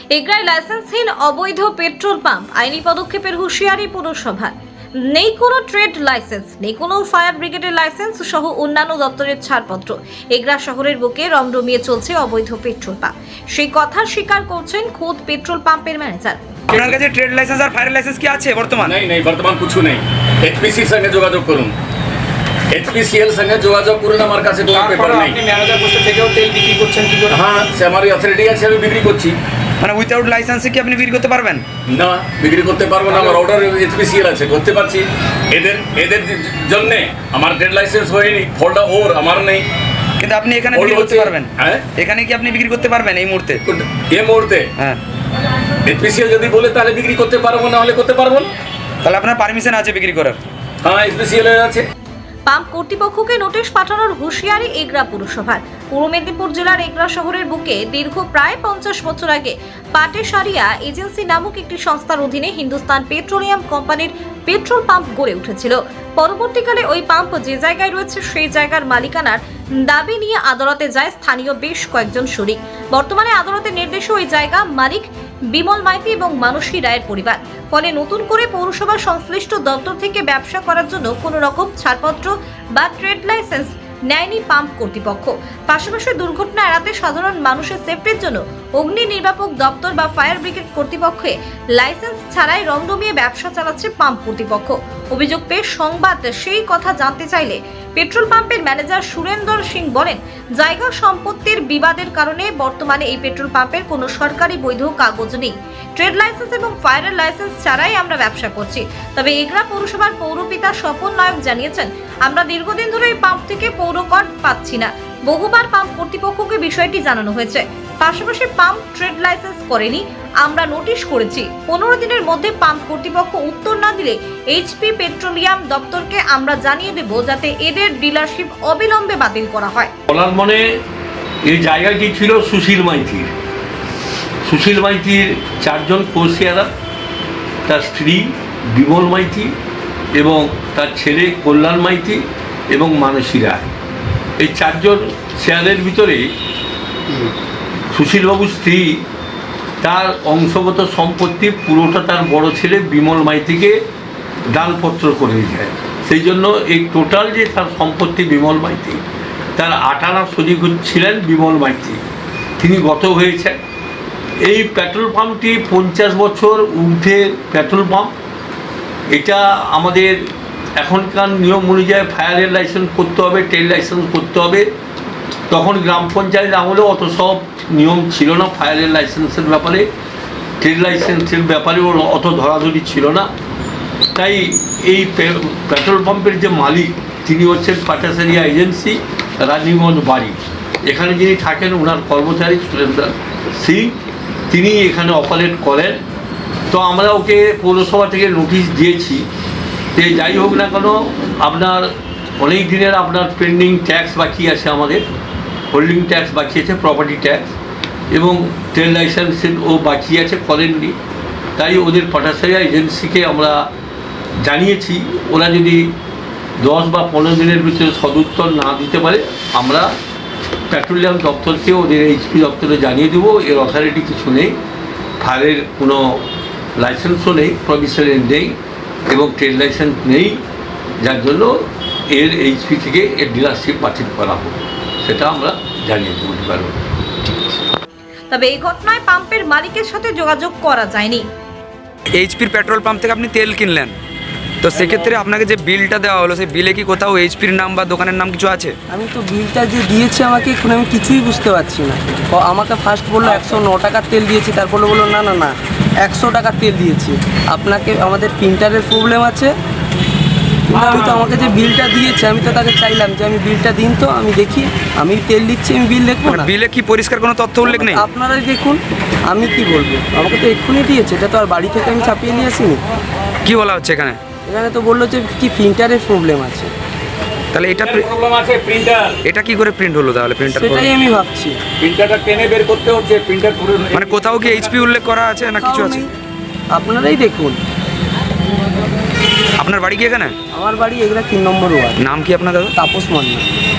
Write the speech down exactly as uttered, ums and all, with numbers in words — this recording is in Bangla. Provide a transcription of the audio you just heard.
এগ্রায় লাইসেন্সহীন অবৈধ পেট্রোল পাম্প, আইনি পদক্ষেপের হুঁশিয়ারি পৌরসভার। নেই কোনো ট্রেড লাইসেন্স, নেই কোনো ফায়ার ব্রিগেডের লাইসেন্স সহ অন্যান্য দপ্তরের ছাড়পত্র। এগ্রা শহরের বুকে রমরমিয়ে চলছে অবৈধ পেট্রোল পাম্প। সেই কথা স্বীকার করছেন খোদ পেট্রোল পাম্পের ম্যানেজার। আপনার কাছে ট্রেড লাইসেন্স আর ফায়ার লাইসেন্স কি আছে বর্তমান? नहीं नहीं বর্তমান কিছু নেই। এইচপিসির সঙ্গে যোগাযোগ করুন, এইচপিসিএল সঙ্গে যোগাযোগ করুন। আমার কাছে কোনো পেপার নেই। আপনি ম্যানেজার পোস্টে থেকেও তেল বিক্রি করছেন কি করে? হ্যাঁ, সে আমার অথরিটি আছে, আমি বিক্রি করছি। মানে উইথাউট লাইসেন্সে কি আপনি বিক্রি করতে পারবেন? না, বিক্রি করতে পারবো না। আমার অর্ডার এইচপিসিএল আছে, করতে পারছি। এদের এদের জন্য আমার ট্রেড লাইসেন্স হয়নি, ফলটা ওর, আমার নেই। কিন্তু আপনি এখানে বিক্রি করতে পারবেন? হ্যাঁ, এখানে কি আপনি বিক্রি করতে পারবেন এই মুহূর্তে? এই মুহূর্তে হ্যাঁ, এইচপিসিএল যদি বলে তাহলে বিক্রি করতে পারবো, না হলে করতে পারবো না। তাহলে আপনার পারমিশন আছে বিক্রি করার? হ্যাঁ, এইচপিসিএল আছে। পাম্প কর্তৃপক্ষকে নোটিশ পাঠানোর হুঁশিয়ারি এগ্রা পুরসভার। পূর্ব মেদিনীপুর জেলার এগ্রা শহরের বুকে দীর্ঘ প্রায় পঞ্চাশ বছর আগে পাটেসারিয়া এজেন্সি নামক একটি সংস্থার অধীনে হিন্দুস্তান পেট্রোলিয়াম কোম্পানির পেট্রোল পাম্প গড়ে উঠেছিল। পরবর্তীকালে ওই পাম্প যে জায়গায় রয়েছে সেই জায়গার মালিকানার দাবি নিয়ে আদালতে যায় স্থানীয় বেশ কয়েকজন শরিক। বর্তমানে আদালতের নির্দেশে ওই জায়গা মালিক বিমল মাইতি এবং মানসী রায়ের পরিবার। ফলে নতুন করে পৌরসভার সংশ্লিষ্ট দপ্তর থেকে ব্যবসা করার জন্য কোনো রকম ছাড়পত্র বা ট্রেড লাইসেন্স নেয়নি পাম্প কর্তৃপক্ষ। পাশাপাশি দুর্ঘটনা এড়াতে সাধারণ মানুষের সেফটির জন্য অগ্নি নির্বাপক দপ্তর বা ফায়ার ব্রিগেড কর্তৃপক্ষে লাইসেন্স ছাড়াই রমরমিয়ে ব্যবসা চালাচ্ছে পাম্প কর্তৃপক্ষ। অভিযোগ পেয়ে সংবাদ সেই কথা জানতে চাইলে পেট্রোল পাম্পের ম্যানেজার সুরেন্দর সিং বলেন, জায়গা সম্পত্তির বিবাদের কারণে বর্তমানে এই পেট্রোল পাম্পের কোনো সরকারি বৈধ কাগজ নেই। ট্রেড লাইসেন্স এবং ফায়ার লাইসেন্স ছাড়াই আমরা ব্যবসা করছি। তবে এগ্রা পৌরসভার পৌরপিতা স্বপন নায়ক জানিয়েছেন, আমরা দীর্ঘদিন ধরে এই পাম্প থেকে পৌর কর পাচ্ছি না। বহুবার পাম্প কর্তৃপক্ষকে বিষয়টি জানানো হয়েছে। পাশাপাশি পাম্প ট্রেড লাইসেন্স করেনি, আমরা নোটিশ করেছি। পনেরো দিনের মধ্যে পাম্প কর্তৃপক্ষ উত্তর না দিলে এইচপি পেট্রোলিয়াম দপ্তরকে আমরা জানিয়ে দেব, যাতে এদের ডিলারশিপ অবিলম্বে বাতিল করা হয়। বলার মানে এই জায়গাটি ছিল সুশীল মাইতির। সুশীল মাইতির চারজন কোষিয়ারা, তার স্ত্রী বিমল মাইতি এবং তার ছেলে কল্যাণ মাইতি এবং মানসী রায়। এই চারজন শেয়ারের ভিতরে সুশীলবাবুর স্ত্রী তার অংশগত সম্পত্তি পুরোটা তার বড় ছেলে বিমল মাইতিকে দানপত্র করে যায়। সেই জন্য এই টোটাল যে তার সম্পত্তি বিমল মাইতি, তার আটানা সজীব ছিলেন বিমল মাইতি। তিনি গত হয়েছেন। এই পেট্রোল পাম্পটি পঞ্চাশ বছর ঊর্ধ্বে পেট্রোল পাম্প। এটা আমাদের এখনকার নিয়ম অনুযায়ী ফায়ারের লাইসেন্স করতে হবে, ট্রেড লাইসেন্স করতে হবে। তখন গ্রাম পঞ্চায়েত আমলেও অত সব নিয়ম ছিল না ফায়ারের লাইসেন্সের ব্যাপারে, ট্রেড লাইসেন্সের ব্যাপারেও অত ধরাধরি ছিল না। তাই এই পেট্রোল পাম্পের যে মালিক, তিনি হচ্ছেন পাটেসারিয়া এজেন্সি, রাজীবগঞ্জ বাড়ি। এখানে যিনি থাকেন ওনার কর্মচারী সুরেন্দর সিং, তিনি এখানে অপারেট করেন। তো আমরা ওকে পৌরসভা থেকে নোটিশ দিয়েছি যে যাই হোক না কেন, আপনার অনেক দিনের আপনার পেন্ডিং ট্যাক্স বাকি আছে, আমাদের হোল্ডিং ট্যাক্স বাকি আছে, প্রপার্টি ট্যাক্স এবং ট্রেড লাইসেন্সের ও বাকি আছে, করেননি। তাই ওদের পাটেসারিয়া এজেন্সিকে আমরা জানিয়েছি, ওরা যদি দশ বা পনেরো দিনের ভিতরে সদুত্তর না দিতে পারে, আমরা পেট্রোলিয়াম দপ্তরকে ওদের এইচপি দপ্তরে জানিয়ে দেবো। এর অথরিটি কিছু নেই, ফায়ারের কোনো লাইসেন্সও নেই, প্রভিশনাল নেই এবং ট্রেড লাইসেন্স নেই, যার জন্য এর এইচপি থেকে এর ডিলারশিপ বাতিল করা হোক, সেটা আমরা জানিয়ে দেবো। তবে এই ঘটনায় পাম্পের মালিকের সাথে যোগাযোগ করা যায়নি। এইচপির পেট্রোল পাম্প থেকে আপনি তেল কিনলেন, তো সেক্ষেত্রে আপনাকে যে বিলটা দেওয়া হলো, সেই বিলে কি কোথাও এইচপির নাম বা দোকানের নাম কিছু আছে? আমি তো বিলটা যে দিয়েছে আমাকে, এখন আমি কিছুই বুঝতে পারছি না। ও আমাকে ফার্স্ট বললো একশো ন টাকার তেল দিয়েছি, তারপর বললো না না না একশো টাকার তেল দিয়েছি, আপনাকে আমাদের প্রিন্টারের প্রবলেম আছে। আমি তো আমাকে যে বিলটা দিয়েছে, আমি তো তাকে চাইলাম যে আমি বিলটা দিন, তো আমি দেখি, আমি তেল দিচ্ছি, আমি বিল দেখবো না? বিলে কি পরিষ্কার কোনো তথ্য উল্লেখ নেই? আপনারাই দেখুন, আমি কি বলবো, আমাকে তো এক্ষুনি দিয়েছে, এটা তো আর বাড়ি থেকে আমি ছাপিয়ে নিয়ে আসিনি। কি বলা হচ্ছে এখানে? এখানে তো বললো যে কি প্রিন্টারের প্রবলেম আছে। তাহলে এটা প্রবলেম আছে, প্রিন্টার এটা কি করে প্রিন্ট হলো তাহলে? প্রিন্টার সেটাই আমি ভাবছি, প্রিন্টারটা টেনে বের করতে হচ্ছে। প্রিন্টার মানে কোথাও কি এইচপি উল্লেখ করা আছে না কিছু আছে? আপনারাই দেখুন। আপনার বাড়ি কি এখানে? আমার বাড়ি এগুলা তিন নম্বর ওয়ার্ড। নাম কি আপনার দাদা? তাপস মান্না।